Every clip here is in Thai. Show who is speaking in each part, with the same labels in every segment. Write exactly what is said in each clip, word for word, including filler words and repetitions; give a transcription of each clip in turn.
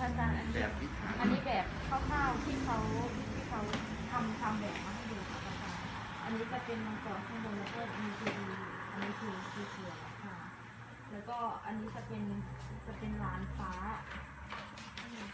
Speaker 1: อาจารย์อัน
Speaker 2: แบ
Speaker 1: นี้
Speaker 2: บวิถี
Speaker 1: อันนี้แบบคร่าวๆที่เขาที่เขาทำทำแบบมาให้ดูค่ะอาจารย์อันนี้จะเป็นมังกรข้างบนแล้วก็มีทีดีอันนี้คือคือเสือค่ะแล้วก็อันนี้จะเป็นจะเป็นลานฟ้าอันนี้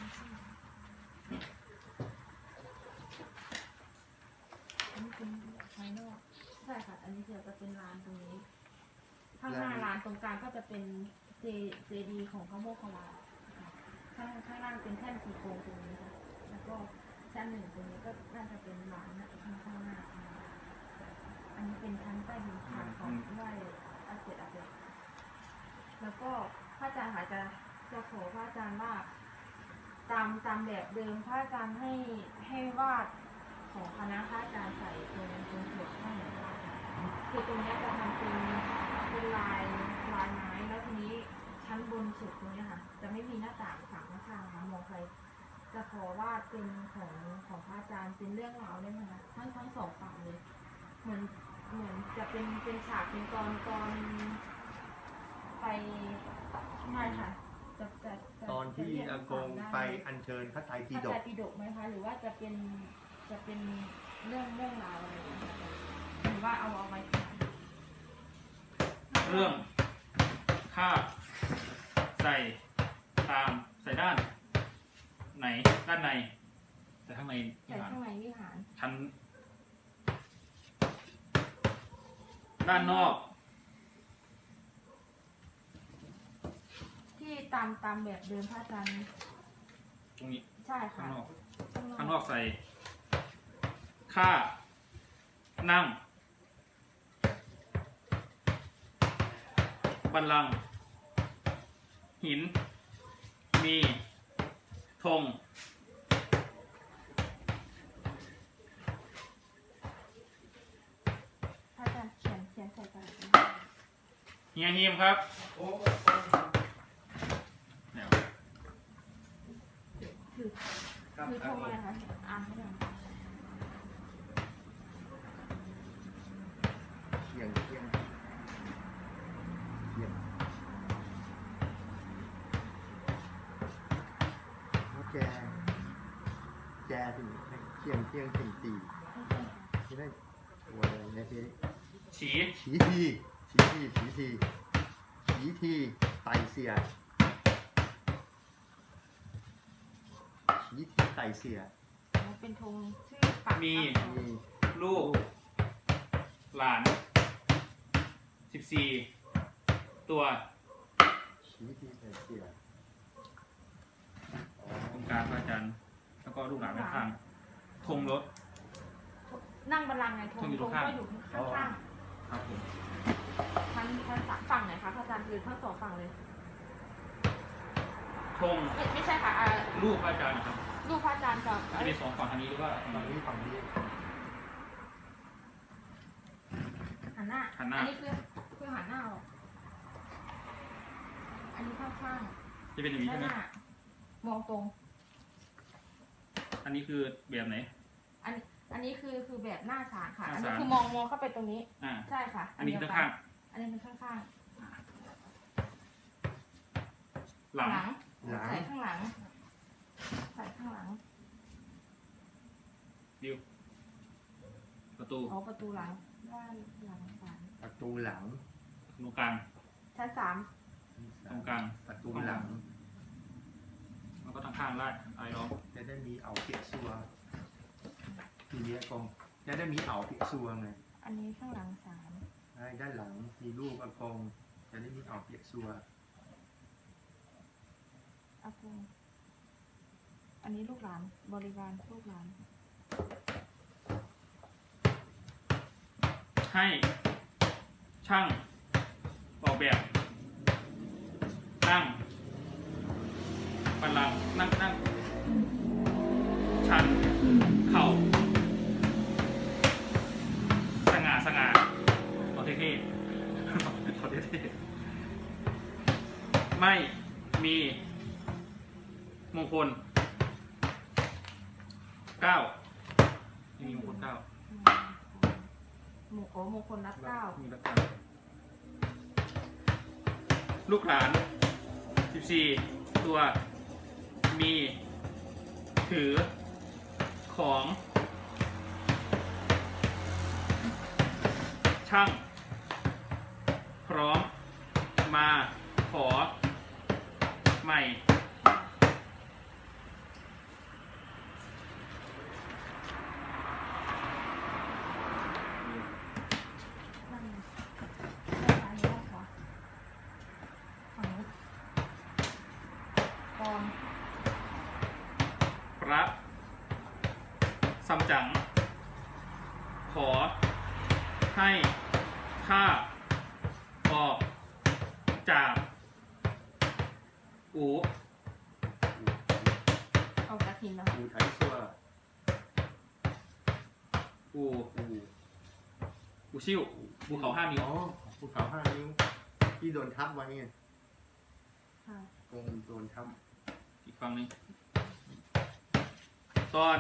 Speaker 1: เป็นภายนอกใช่ค่ะอันนี้จะจะเป็นลานตรงนี้ข้างหน้าลานตรงกลางก็จะเป็นเจเจดีของพระโมคคัลลาข้างข้างล่างเป็นแท่นสีโครงตรงนี้ค่ะแล้วก็ชั้นหนึ่งตรงนี้ก็น่าจะเป็นลานนะข้างข้างหน้าอันนี้เป็นชั้นใต้ดินค่ะของไหว้อาเจตอาเจตแล้วก็พระอาจารย์ค่ะจะจะขอพระอาจารย์ว่าตามตามแบบเดิมพระอาจารย์ให้ให้วาดของคณะพระอาจารย์ใส่ตรงตรงหัวข้างหลังคือตรงนี้จะทำเป็นเป็นลายลายไม้แล้วทีนี้ชั้นบนสุดตรงนี้ค่ะจะไม่มีหน้าต่างฝั่งข้างๆค่ะมองไปจะขอวาดเป็นของของพระอาจารย์เป็นเรื่องราวได้ไหมคะทั้งทั้งสองฝั่งเลยเหมือนเหมือนจะเป็นเป็นฉากเป็นตอนตอนไปใช่ค่ะจะจะจะ
Speaker 2: ตอนที่อากงไปอัญเชิญพระไตรปิ
Speaker 1: พระ
Speaker 2: ฎ
Speaker 1: ไตร
Speaker 2: ก
Speaker 1: ปิฎกไหมคะหรือว่าจะเป็นจะเป็นเรื่องเรื่องราวอะไรอย่างเงี้ยหรือว่าเอาเอาไว้ก่อน
Speaker 3: เรื่องค่าใส่ตามใส่ด้านไหนด้านในแต่ข้างในวิ
Speaker 1: ใส่
Speaker 3: หาร
Speaker 1: ข้างในวิหาร
Speaker 3: ชั้นด้านนอก
Speaker 1: ที่ตามตามแบบเดิมพระอาจารย์
Speaker 3: ตรงนี้
Speaker 1: ใช่
Speaker 3: ข้า
Speaker 1: ค่ะ
Speaker 3: งนอก
Speaker 1: ข้างนอก
Speaker 3: ข้างนอกใส่ค่านั่งบัลลังก์หิน มีธง
Speaker 1: พระอาจารย์เขียนเขียนใส่กระดาษ
Speaker 3: เฮียฮิมครับเดี๋ยว
Speaker 1: คือคือธงอะไรคะอ่านไม่ได้
Speaker 2: เที่ยงเที่ยงเที่ยงแล้วแกแกถึงเที่ยงเที่ยงถึงตีที่ได้ตัวอะไรเนี่ยที่
Speaker 3: ฉี
Speaker 2: ฉีทีฉีทีฉีทีฉีทีไตเสียฉีทีไตเสีย
Speaker 1: มันเป็นธงชื่อปัก
Speaker 3: มี
Speaker 2: มี
Speaker 3: ลูก หลานสิบสี่ตัว
Speaker 2: ฉีทีไตเสีย
Speaker 3: ตรงกลางพระอาจารย์แล้วก็ลูกหลานด้านข้างธงรถ
Speaker 1: นั่งบัลลังก์ไงธง
Speaker 3: ธงอยู่
Speaker 1: ธ
Speaker 3: ตรง งข้าง
Speaker 1: ก็อยู่ข้าง
Speaker 3: ครับผม
Speaker 1: ๆทั้งทั้งสามฝั่งไหนคะพระอาจารย์คือทั้งสองฝั่งเลย
Speaker 3: ธง
Speaker 1: ไม่ไม่ใช่ค่ะอ่า
Speaker 3: ลูกพระอาจารย์นะครับ
Speaker 1: ลูกพระอาจารย์กับ
Speaker 3: จะมีสองฝั่งทางนี้หรือว่า
Speaker 2: ฝั่งนี้ฝั่งนี้
Speaker 1: หันหน้า
Speaker 3: หันหน้า
Speaker 1: อันนี้คือคือหันหน้าออกอันนี้ข้างข้าง
Speaker 3: จะเป็นอย่างนี้
Speaker 1: ด้าน
Speaker 3: ใช่ไห
Speaker 1: ห
Speaker 3: ม
Speaker 1: น้ามองตรง
Speaker 3: อันนี้คือแบบไหน
Speaker 1: อันอันนี้คือคือแบบหน้าศาลค่ะ
Speaker 3: หน้า
Speaker 1: อันนี้
Speaker 3: ศาล
Speaker 1: คือมองมองเข้าไปตรงนี้
Speaker 3: อ่า
Speaker 1: ใช่ค่ะ
Speaker 3: อันนี้คือ
Speaker 1: เดียวกั
Speaker 3: ข้าง
Speaker 1: อันนี้เป็นข้างข้าง
Speaker 3: ๆหลัง
Speaker 2: หลัง
Speaker 1: ใส่ข้างหลัง ใส่ข้างหลัง
Speaker 3: ดิวประตู
Speaker 1: อ๋อประตูหลังด้านหลังศาล
Speaker 2: ประตูหลัง
Speaker 3: ตรงกลาง
Speaker 1: ชั้นสาม
Speaker 3: ตรงกลาง
Speaker 2: ประตูหลัง
Speaker 3: แล้วก็ทางข้างไล่ไอ้ล้อม
Speaker 2: จะได้มีเอาเปียกซัวทีเนี้ยกองจะได้มีเอาเปียกซัวไง
Speaker 1: อันนี้ข้างหลังศาล
Speaker 2: ได้ด้านหลังมีรูปอากงจะได้มีเอาเปียกซัว
Speaker 1: อากูอันนี้ลูกหลานบริวารลูกหลาน
Speaker 3: ให้ช่างออกแบบนั่งบัลลังก์นั่งนั่งชันเข่าสง่าสง่าเอาเท่ๆเอาเท่ๆไม่มีมงคลเก้าไม่มีมงคลเก้า
Speaker 1: หมู่โอ้มงคลนับเก้า
Speaker 3: มีรับการลูกหลานสิบสี่ตัว มมีถือของช่างพร้อมมาขอใหม่
Speaker 1: นั่นได้ซ้ายหรือได้ขวาฝั่งนู้นกอง
Speaker 3: พระซัมจั๋งขอให้ข้าออกจากอู
Speaker 1: เอากระถิ่นแล้ว
Speaker 2: อูไทยซัว
Speaker 3: อู
Speaker 2: อู
Speaker 3: อูชิวภูเขาห้านิ้ว
Speaker 2: อ๋อภูเขาห้านิ้วที่โดนทับไว้ไง
Speaker 1: ค่ะ
Speaker 2: ตรงโดนทับ
Speaker 3: อีกฝั่งหนึงตอน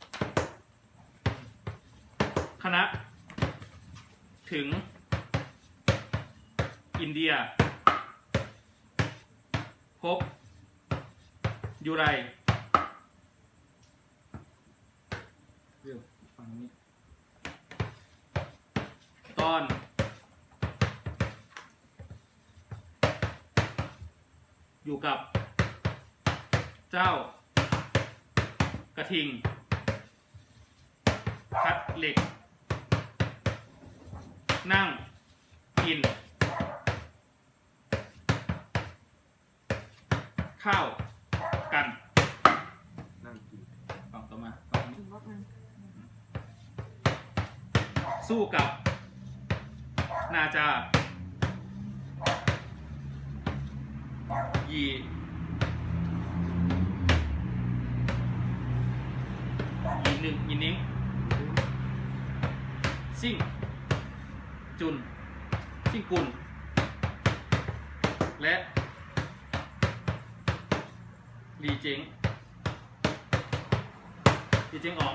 Speaker 3: คณะ ถึง อินเดีย พบ ยูไรเรื่องฝั่งนี้ ตอน อยู่กับ เจ้า กระทิง คัดเหล็ก นั่ง กิน ข้าว กัน
Speaker 2: นั่งกิน
Speaker 3: ฝั่งต่อมาฝั่งนี้
Speaker 1: อีกบล็อกหนึง
Speaker 3: สู้กับ นาจา ยี ยีหนึ่งยีนิ้ง ซิ่ง จุน ซิ่งกุล และ ลีเจงลีเจงอ๋อง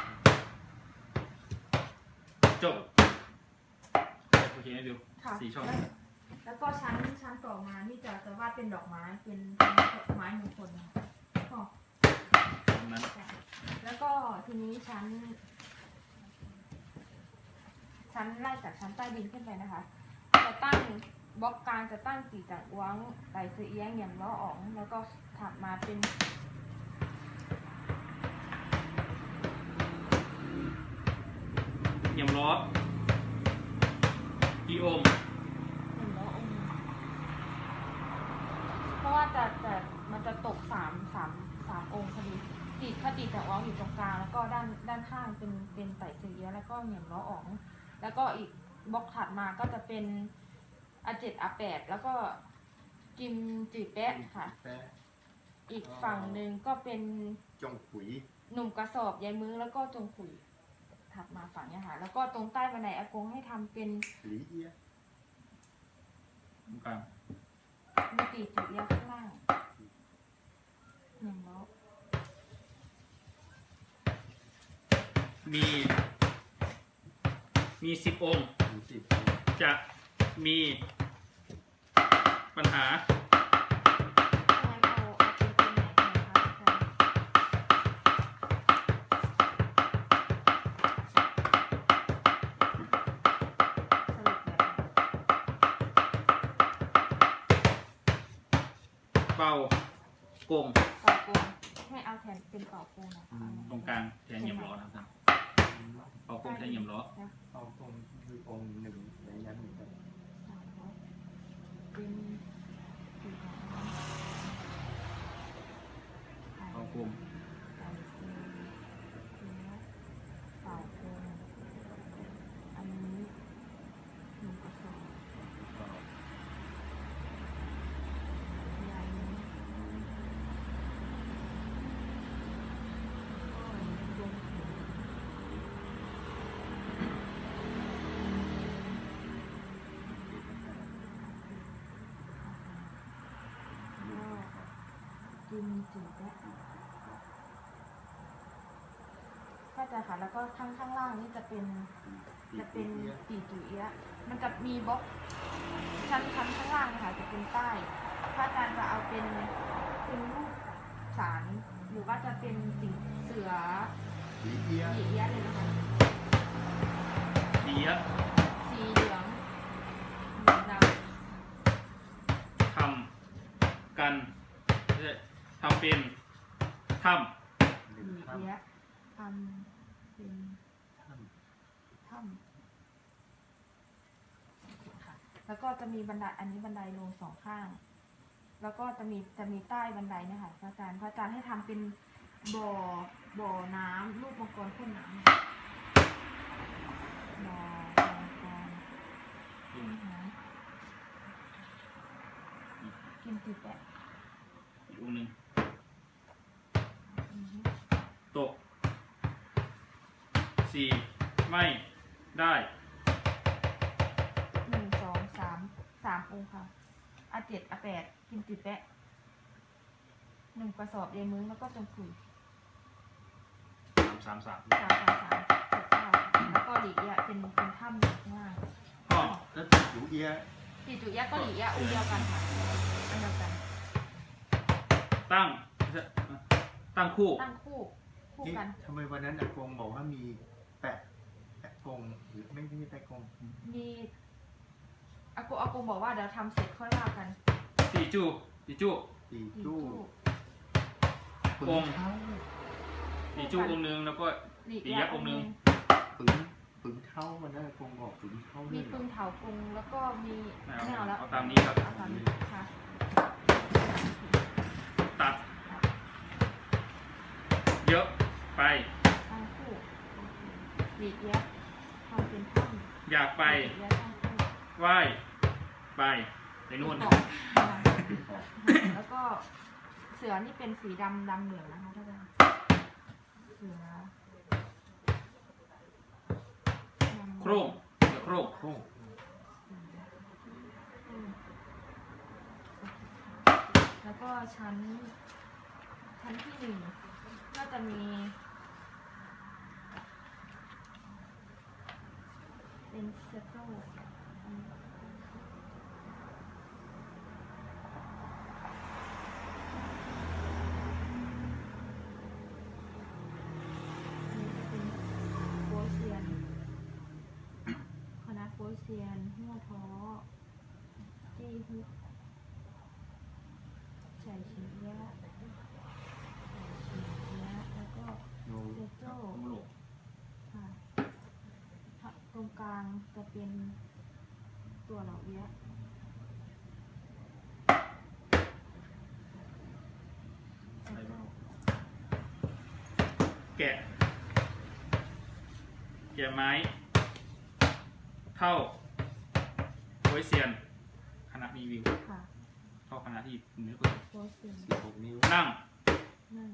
Speaker 3: จบโอเคนะดิว
Speaker 1: ค่ะ
Speaker 3: สี่ช่อง
Speaker 1: แล้วแล้วก็ชั้นชั้นต่อมานี่จะจะวาดเป็นดอกไม้เป็นเป็นดอกไม้มงคลนะคะอ๋อ
Speaker 3: ตรงนั้น
Speaker 1: แล้วก็ทีนี้ชั้น ชั้นไล่จากชั้นใต้ดินขึ้นไปนะคะ จะตั้งบล็อกกลางจะตั้งตีจากอ้วงไต่ซื้อเอี้ยงเหยี่ยมล้ออ๋อง แล้วก็ถัดมาเป็น
Speaker 3: เยี่ยมล้ออีโอม
Speaker 1: เหยี่ยมล้อองค์เพราะว่าจะจะมันจะตกสามสามสามองค์พอดีตีถ้าตีจากอ้วงอยู่ตรงกลางแล้วก็ด้านด้านข้างเป็นเป็นไต่ซื้อเอี้ยงแล้วก็เหยี่ยมล้ออ๋อง แล้วก็อีกบล็อกถัดมาก็จะเป็นอาเจ็ดอาแปดแล้วก็กิมจืดแปะค่ะ
Speaker 2: แปะ
Speaker 1: อีกฝั่งหนึ่งก็เป็น
Speaker 2: จงขุย
Speaker 1: หนุ่มกระสอบยายมึงแล้วก็จงขุยถัดมาฝั่งเนี้ยค่ะ แล้วก็ตรงใต้บันไดอากงให้ทำเป็น
Speaker 2: หลีเอีย
Speaker 3: ตรงกลาง
Speaker 1: มีตีจุเอียข้างล่างหนึ่งล้อ
Speaker 3: มี มีสิบองค์
Speaker 2: มีสิบ
Speaker 3: จะมีปัญหา
Speaker 1: ถ้างั้นเอาเอาเป็นตัวไหนดีคะอาจารย์สรุปแบบ
Speaker 3: เบากง
Speaker 1: เป่าโกงให้เอาแทนเป็นเป่าโกงนะคะ
Speaker 3: ตรงกลางแทนเยี่ยมล้อนะครับเบากงแทนเยี่ยมล้อ
Speaker 2: เอาตรงคือองค์หนึ่งในนั้นเหมือนกัน
Speaker 1: สามร้อยเป็นสี่ร้อย
Speaker 3: เบากง
Speaker 1: ไก่ซีเนื้อเป่าโกงอันนี้หนึ่งกระสอบยายนี้ก็ลงถุงก็กินจืดแล้วก็จะค่ะแล้วก็ข้างข้างล่างนี่จะเป็น จะเป็นตีจุเอียะมันจะมีบล็อกชั้นชั้นข้างล่างนะคะจะเป็นใต้ถ้าอาจารย์จะเอาเป็นเป็นรูปสาานหรือว่าจะเป็นสิงเสือ
Speaker 2: หลีเอียะ
Speaker 1: หลีเอี้ยะเลยนะคะ
Speaker 3: ดีอะ
Speaker 1: สีเหลืองเหลืองด
Speaker 3: ทำกันเอ่อทำเป็นท
Speaker 2: ห
Speaker 1: ำ
Speaker 2: นึ่
Speaker 1: ห
Speaker 2: ง
Speaker 1: ลี
Speaker 2: ถ้
Speaker 1: เอี้ยะทำเป็น
Speaker 2: ำถ้
Speaker 1: ถ้ำค่ะแล้วก็จะมีบันไดอันนี้บันไดลงสองข้าง แล้วก็จะมีจะมีใต้บันไดเนะคะพระอาจารย์พระอาจารย์ให้ทำเป็นบ่อบ่อน้ำรูปมังกรพ่นน้ำบ่อมังกรพ่นน้ำกินติดแปะ
Speaker 3: ำอีกองค์หนึ่ง
Speaker 1: อือฮึ
Speaker 3: ตกสี่ไม่ได้
Speaker 1: หนึ่งสองสามสามองค์ค่ะอาเจ็ดอาแปดกินติดแปะหนึ่งกระสอบเยมึงแล้วก็จงคุย
Speaker 3: สามสามสาม
Speaker 1: สามสามสามเจ็ดเก้าแล้วก็หลีเอี้ยะเป็นเป็นถ้ำอยู่ข้างล่าง
Speaker 3: ห้อง
Speaker 2: ำแล้วหลูเอียะ
Speaker 1: จีจุยะก็หลีเอี้ยะองค์เดียวกันค่ะอันเดียวกัน
Speaker 3: ตั้งตั้งคู่
Speaker 1: ตั้งคู่คู่
Speaker 2: นี่
Speaker 1: กัน
Speaker 2: ทำไมวันนั้นอากงบอกว่ามีแปะแปะกงหรือไม่ไม่ใช่แปะกง
Speaker 1: มีอากงอากงบอกว่าเดี๋ยวทำเสร็จค่อยว่ากัน
Speaker 3: ตีจูตีจู
Speaker 2: ตี
Speaker 1: หลี
Speaker 2: จู้
Speaker 1: จู้
Speaker 2: ปึ
Speaker 3: อง ค์
Speaker 2: เท้า
Speaker 3: ตีจูองค์หนึ่งแล้วก็
Speaker 1: หลี
Speaker 3: ตี
Speaker 1: เอี้ยะ
Speaker 3: ยักษ์องค์หนึ่ง
Speaker 2: ปึงปึงเท้าวันนั้นอากงบอกปึงเท้า
Speaker 1: มี
Speaker 2: ด้วยเหร
Speaker 1: ปึ
Speaker 2: อง
Speaker 1: เถากงแล้วก็มี
Speaker 3: ไม่เอา
Speaker 1: ไม่เอาแล้ว
Speaker 3: เอาตามนี้ครับ
Speaker 1: เอาตามนี้ค่ะ
Speaker 3: ตัด เยอะไป
Speaker 1: ตั้งคู่หลีเอี้ยะทำเป็นถ้ำ
Speaker 3: อยากไป
Speaker 1: หลีเอี้ยะตั้งคู่
Speaker 3: ไหว้ไปในนู่น
Speaker 1: ออกแล้วก็เสือนี่เป็นสีดำดำเหลืองนะคะท่านอาจารย์เสือดำ
Speaker 3: โครงเสือโครง
Speaker 2: โค้ง
Speaker 1: อืมแล้วก็ชั้น ชั้นที่หนึ่งก็จะมี เป็นเซตโต้อันนี้อันนี้จะเป็นโปเซียน คณะโปเซียนหัวท้อจี้ฮุกใส่ชิ้นเยอะใส่ชิ้นเยอะแล้วก็
Speaker 2: โน
Speaker 1: เซโจ้
Speaker 3: โลก
Speaker 1: ค่ะตรงกลางจะเป็นตัวเหล่าเยอะเซโจ้
Speaker 3: แกะ แกะไม้ เท่าโวยเซียน คณะรีวิว
Speaker 1: ค่ะ
Speaker 3: เท่าคณะที่คุณไม่เคย
Speaker 1: โปเซียน
Speaker 2: สิบหกนิ้ว
Speaker 3: นั่ง
Speaker 1: นั่ง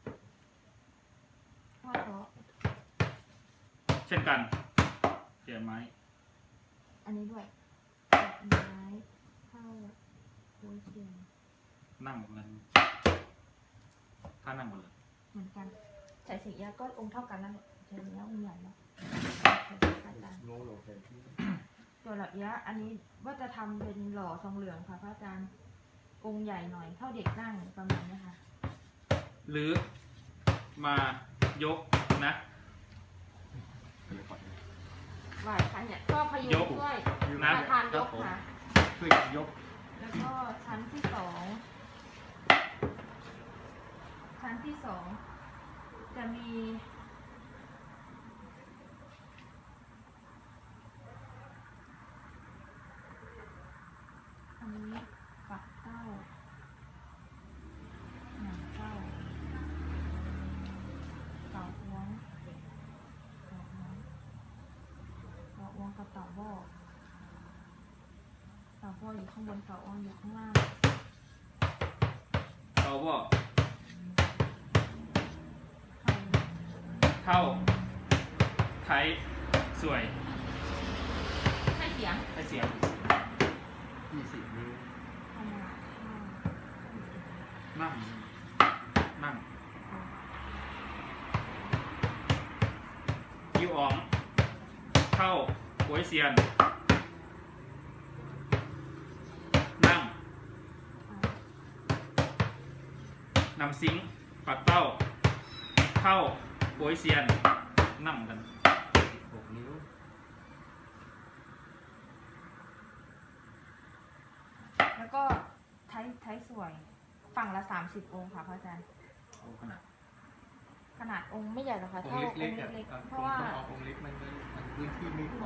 Speaker 1: หัวท้อ
Speaker 3: เช่นกัน แกะไม้
Speaker 1: อันนี้ด้วยดอกไม้เข้าโปเซียน
Speaker 3: นั่งเหมือนกันถ้านั่งหมดเลย
Speaker 1: เหมือนกันใส่สีเยอะก็องค์เท่ากันนั่นแหละใส่สีเยอะองค์ใหญ่เนาะอาจารย์
Speaker 2: โนโลแทนที่
Speaker 1: ตัวเหล่าเยอะอันนี้ว่าจะทำเป็นหล่อทองเหลืองค่ะพระอาจารย์องค์ใหญ่หน่อยเท่าเด็กนั่งประมาณนี้ค่ะ
Speaker 3: หรือมายกนะ
Speaker 2: อะไรก่อนนะ
Speaker 1: ไหวค่ะเนี่ยก็พยุ
Speaker 3: ย
Speaker 1: ง
Speaker 3: ก
Speaker 1: ช่วย
Speaker 3: นะ
Speaker 1: ประธานยกค่ะ
Speaker 2: ช่วยกันยก
Speaker 1: แล้วก็ชั้นที่สองชั้นที่สองจะมีอันนี้ปักเต้าหนังเต้าเต่าอ้วงเต่าอ้วงเต่าอ้วงกับเต่าบ่อเต่าบ่ออยู่ข้างบนเต่าอ้วงอยู่ข้างล่าง
Speaker 3: เอาว่า
Speaker 1: ไข่
Speaker 3: เท่า ไทย สวย
Speaker 1: ให้เสียง
Speaker 3: ให้เสียง
Speaker 2: ยี่สิบนิ้ว
Speaker 1: ขนาดข้าว
Speaker 3: นั่ง นั่งคิวอ๋อง เข้าโวยเซียน นั่ง นำซิงค์ปักเป้าเข้าโปยเซียนนั่งกัน
Speaker 2: หกนิ้ว
Speaker 1: แล้วก็ไทยไทยสวยฝั่งละสามสิบองค์ค่ะพระอาจารย์
Speaker 3: โอ้ขนาด
Speaker 1: ขนาดองค์ไม่ใหญ่หรอกค่ะ
Speaker 2: อง
Speaker 1: เท่า
Speaker 2: ค์
Speaker 1: องค์
Speaker 2: เล็กๆอ่ะ
Speaker 1: เล็ก
Speaker 2: อ่ะ
Speaker 1: ๆเพราะว่า
Speaker 2: ต้องเอาองค์เล็กมันมันมันพื้นที่ไม่พอ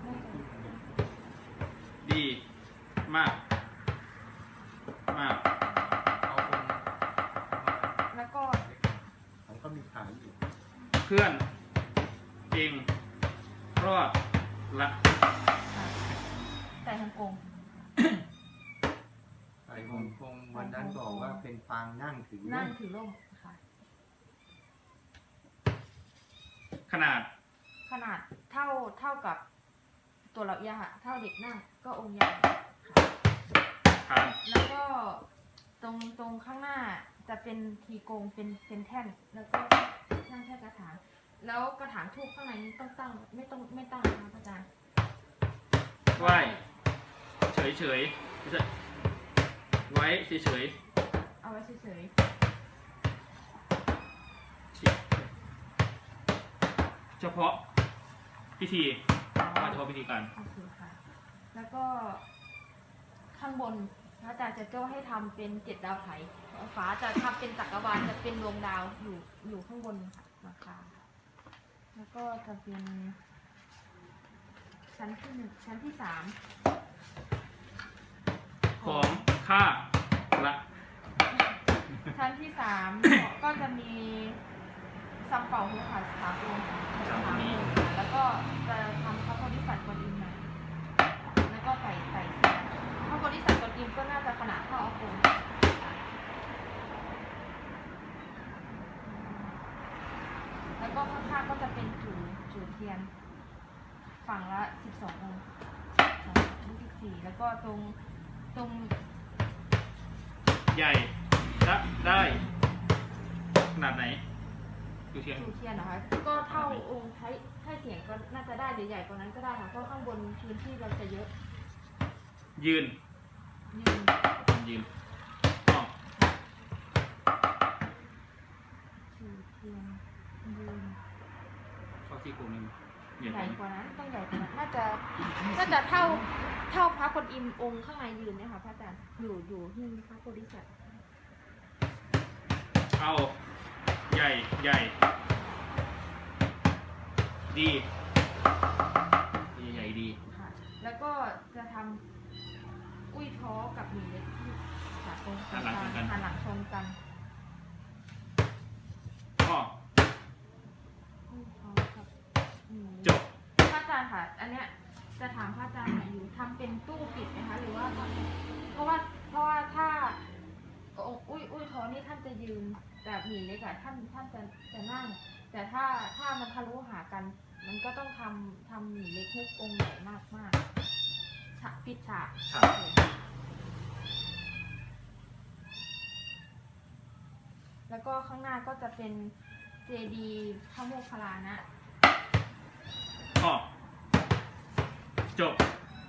Speaker 3: ดีมากมาก
Speaker 2: เอาองค์
Speaker 1: แล้วก็
Speaker 2: ผมก็มีขายอยู่
Speaker 3: เพื่อนเองรอดละ
Speaker 1: แต่ทางองค์
Speaker 2: ไอ้องค์คงวันนั้นบอกว่าเป็นปางนั่งถือ
Speaker 1: นั่งถือร่มค่ะ
Speaker 3: ขนาด
Speaker 1: ขนาดเท่าเท่ากับตัวเราเอียค่ะเท่าเด็กนั่งก็องค์ใหญ่
Speaker 3: ทาน
Speaker 1: แล้วก็ตรงตรงข้างหน้าจะเป็นทีโกงเป็นเป็นแท่น แล้วก็นั่งแค่กระถาง แล้วกระถางทูบข้างในนี้ต้องตั้งไม่ต้องไม่ตั้งนะคะอาจารย์
Speaker 3: ไหว้เฉยเฉยๆไม่ใช่ไว้เฉยเฉย
Speaker 1: เอาไว้เฉย
Speaker 3: ๆชิเฉพาะพิธี
Speaker 1: ๆ
Speaker 3: มาเฉพาะพิธีการ
Speaker 1: โอเคค่ะ แล้วก็ข้างบนพระอาจารย์จะโจ้ให้ทำเป็นเจ็ดดาวไถฟ้าจะทำเป็นจักรวาลจะเป็นดวงดาวอยู่อยู่ข้างบนค่ะราคาแล้วก็จะเป็นชั้นที่หนึ่งชั้นที่สาม
Speaker 3: ของข้าละ
Speaker 1: ชั้นที่สามก็จะมีซัมเป่าหูขาดสามองค์ค่ะสามองค์ค่ะแล้วก็จะทำพระโพธิสัตว์กวนอิมมาแล้วก็ไก่ไก่เสียพระโพธิสัตว์กวนอิมก็น่าจะขนาดเท่าอาคงแล้วก็ข้างๆก็จะเป็นจูจูเทียน ฝั่งละสิบสององค์สองสิบสี่แล้วก็ตรงตรง
Speaker 3: ใหญ่ละได้ขนาดไหนดูเทียน
Speaker 1: จูเทียนนะคะก็เท่าองค์ไทยไทยเสียงก็น่าจะได้หรือใหญ่กว่านั้นก็ได้ค่ะเพราะข้างบนพื้นที่เราจะเยอะ
Speaker 3: ยืน
Speaker 1: ยืน
Speaker 3: ยืนอ๋อ
Speaker 1: จูเทียนยืน
Speaker 3: เข้าที่กลุ่มนึงเหยียด
Speaker 1: ใหญ่กว่านั้นต้องใหญ่กว่านั้นน่าจะน่าจะเท่าเท่าพระกวนอิมองค์ข้างในยืนเนี่ยค่ะพระอาจารย์อยู่อยู่ที่พระโพธิสัตว์
Speaker 3: เอาใหญ่ใหญ่ดีดีใหญ่ดี
Speaker 1: ค่ะแล้วก็จะทำอุ้ยท้อกับหมีเล็กที่ขาตรงกลางหันหลังชนกัน
Speaker 3: อ๋อ
Speaker 1: อุ้ยท้อกับหมี
Speaker 3: จบ
Speaker 1: พระอาจารย์ค่ะ อันเนี้ยจะถามพระอาจารย์หน่อยอยู่ทำเป็นตู้ปิดไหมคะหรือว่าทำเป็นเพราะว่าเพราะว่าถ้าองค์อุ้ยอุ้ยท้อนี่ท่านจะยืนแต่หมีเล็กอะท่านท่านจะจะนั่ง แต่ถ้าถ้ามันทะลุหากัน มันก็ต้องทำทำหมีเล็กมุกองค์ใหญ่มากมากฉากปิดฉาก
Speaker 3: ฉาก
Speaker 1: แล้วก็ข้างหน้าก็จะเป็นเจดีย์พระโมคคัลลานะ
Speaker 3: อ๋อจบ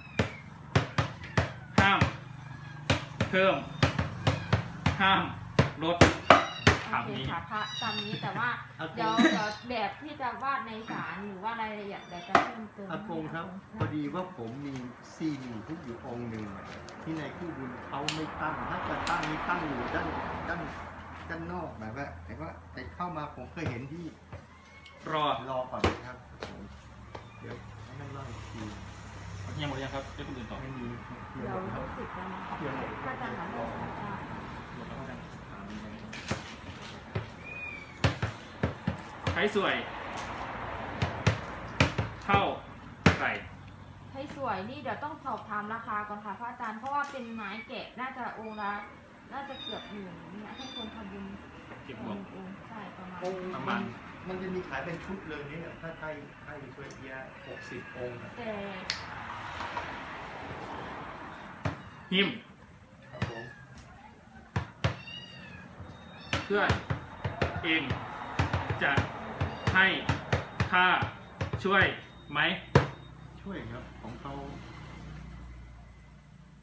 Speaker 3: ห้าม เพิ่ม ห้ามลด
Speaker 1: โอเคค่ะพระตามนี้แต่ว่าเดี๋ยวเดี๋ยวแบบที่จะวาดในศาลหรือว่ารายละเอียดเดี๋ยวจะเพิ่มเติม
Speaker 2: อากงครับ พอดีว่าผมมีซีดีทุกอยู่องค์หนึ่งอะที่ในคู่บุญเขาไม่ตั้ง ถ้าจะตั้งนี่ตั้งอยู่ด้านด้านด้านนอกแบบว่าแต่ว่าแต่เข้ามาผมเคยเห็นที่
Speaker 3: รอ
Speaker 2: รอก่อนนะครับผมเดี๋ยวให้นั่งรออีกที
Speaker 3: ยังหมดยังครับเดี๋ยวคนอื่นต่อ
Speaker 2: ไม่มี
Speaker 1: เดี๋ยวรู้สึกแล้วนะคะถ้าจะหาเรื่องสาขา
Speaker 3: ใช้สวย เท่าไหร่
Speaker 1: ให้สวยนี่เดี๋ยวต้องสอบถามราคาก่อนค่ะพระอาจารย์เพราะว่าเป็นไม้แกะน่าจะองค์ละน่าจะเกือบหมื่นเนี่ยให้คนทำบุญ
Speaker 3: เก็บ
Speaker 1: อง
Speaker 3: วง
Speaker 1: ค์องค์ใช่ประมาณ
Speaker 2: องค์
Speaker 3: ประ
Speaker 2: มั
Speaker 3: มาณ
Speaker 2: นมันจะมีขายเป็นชุดเลยเนี่ยถ้าไทยไทยช่วยเอียหกสิบองค์อะ
Speaker 1: แต่
Speaker 3: หิม
Speaker 2: ครับผม
Speaker 3: เพื่อนเองจะให้ค่าช่วยไหม
Speaker 2: ช่วยครับของเขา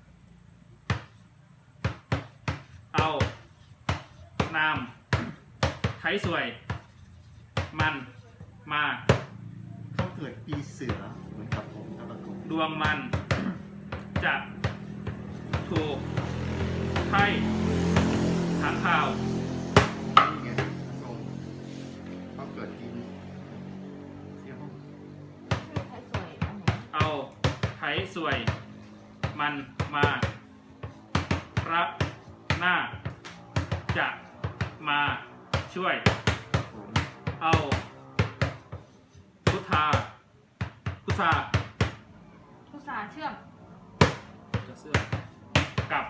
Speaker 3: เอานามสวย มันมา
Speaker 2: เขาเกิดปีเสือเหมือนกับผมครับผม
Speaker 3: ดวงมัน จะถูกไพ่ค้างคาว
Speaker 2: นี่ไงตรงเขาเกิดปีเสียห้อง
Speaker 1: ชื่อไทยสวยอันไหน
Speaker 3: เอาไถสวย มันมารับหน้า จะมาช่วย
Speaker 2: ผม
Speaker 3: เอาพุทธาพุทธา
Speaker 1: ผู้สาเชื่อม
Speaker 3: จะเสื้อกับ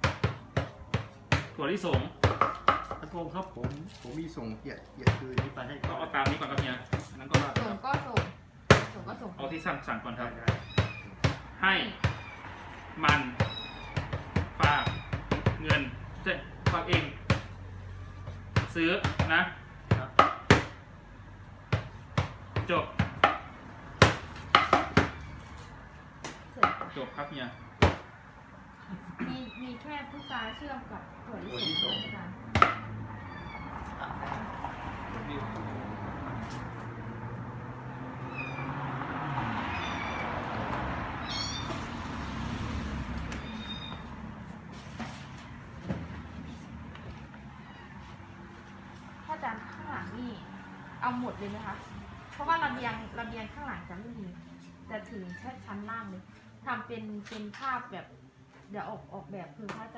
Speaker 3: ถั่วลิสง
Speaker 2: ตะโกงครับผมผมมีส่งเกียรติเกียรติคืนนี้ไปให้
Speaker 3: ก็
Speaker 2: เขา
Speaker 3: เอาตามนี้ก่อนครับเนี่ยอันนั้นก็ว่าไป
Speaker 1: ส่
Speaker 3: ค
Speaker 1: ง
Speaker 3: รับ
Speaker 1: ก็ส่งส่งก็ส่ง
Speaker 3: เอาที่สั่งสั่งก่อนค
Speaker 2: ได้
Speaker 3: รับ
Speaker 2: ได้
Speaker 3: ให้มันฝากเงินเจ๊ฝากเอง ซื้อนะ
Speaker 2: ครับ
Speaker 3: จบ
Speaker 1: เสร็จ
Speaker 3: จบครับเนี่ย
Speaker 1: มีมีแค่ผู้สาเชื่อมกับถั่วลิสงอาจารย์ ถ้าอาจารย์ข้างหลังนี่เอาหมดเลยไหมคะ เพราะว่าระเบียงระเบียงข้างหลังจะไม่มีจะถึงแค่ชั้นล่างเลยทำเป็นเป็นภาพแบบ เดี๋ยวออกออกแบบคือพระอาจ